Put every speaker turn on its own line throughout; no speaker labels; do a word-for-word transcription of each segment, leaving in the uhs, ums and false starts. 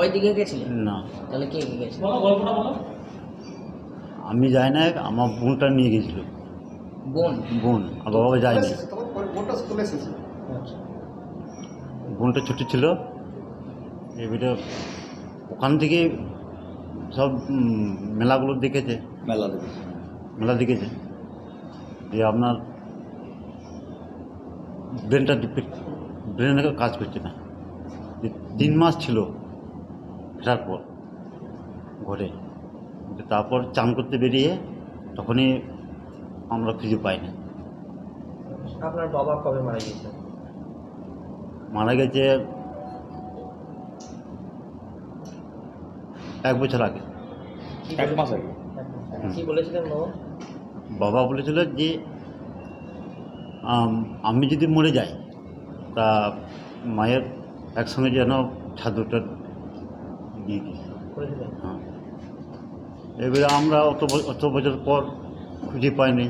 সবাই দিকে গেছিলেন
না,
তাহলে কে কে গেছিল?
আমি যাই না, আমার বোনটা নিয়ে গেছিল।
বোন?
বোন আর বাবা যায়নি।
আচ্ছা।
বোনটা ছোট ছিল, এবারে ওখান থেকে সব উম, মেলাগুলো দেখেছে,
মেলা দেখেছি।
মেলা দেখেছে যে আপনার ব্রেনটা ব্রেন কাজ করছে না। যে তিন মাস ছিল ফেরার পর ঘরে, তারপর চান করতে বেরিয়ে তখনই আমরা খুঁজে পাই না।
আপনার বাবা কবে মারা গিয়েছে?
মারা গেছে এক বছর আগে।
এক মাস আগে।
কি বলেছিলেন বাবা?
বাবা বলেছিল যে আম, আমি যদি মরে যাই তা মায়ের একসঙ্গে যেন ছাদুটা দিয়ে দিই।
বলেছিলেন?
হ্যাঁ, এবারে আমরা অত ব- অত বছর পর খুঁজে পাইনি।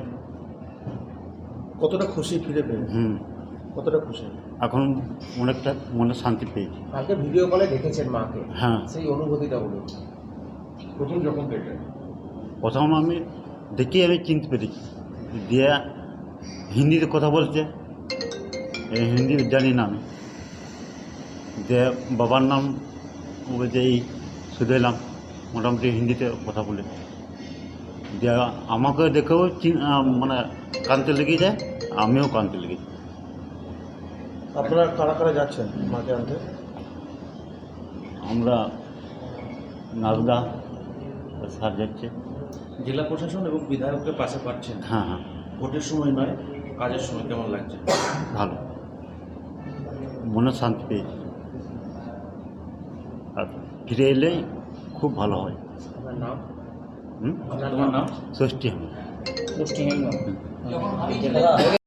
কতটা খুশি ফিরে পেয়ে?
হুম,
কতটা খুশি?
এখন অনেকটা মনে শান্তি পেয়েছি।
কালকে ভিডিও কলে দেখেছেন মাকে,
হ্যাঁ,
সেই অনুভূতিটা বলুন।
প্রথম যখন দেখে
প্রথম আমি দেখি আমি চিনতে পেরেছি, দিয়ে হিন্দিতে কথা বলছে, এই হিন্দি জানি না আমি, যে বাবার নাম বলছে এই শুধু এলাম, মোটামুটি হিন্দিতে কথা বলে, যে আমাকে দেখেও চিন- আহ, মানে কানতে লেগে যায়, আমিও কানতে লেগে যাই।
আপনারা কারা কারা যাচ্ছেন মাকে আনতে?
আমরা নারদা স্যার যাচ্ছে।
জেলা প্রশাসন এবং বিধায়কের পাশে পাচ্ছেন,
হ্যাঁ হ্যাঁ,
ভোটের সময় নয়, কাজের সময় কেমন লাগছে?
ভালো, মনে শান্তি পেয়েছি। আর ফিরে এলেই খুব ভালো হয়।
আপনার নাম?
হুম,
আপনার
তোমার নাম?
ষষ্ঠী হবে।
পুষ্টিহীন।
হুম।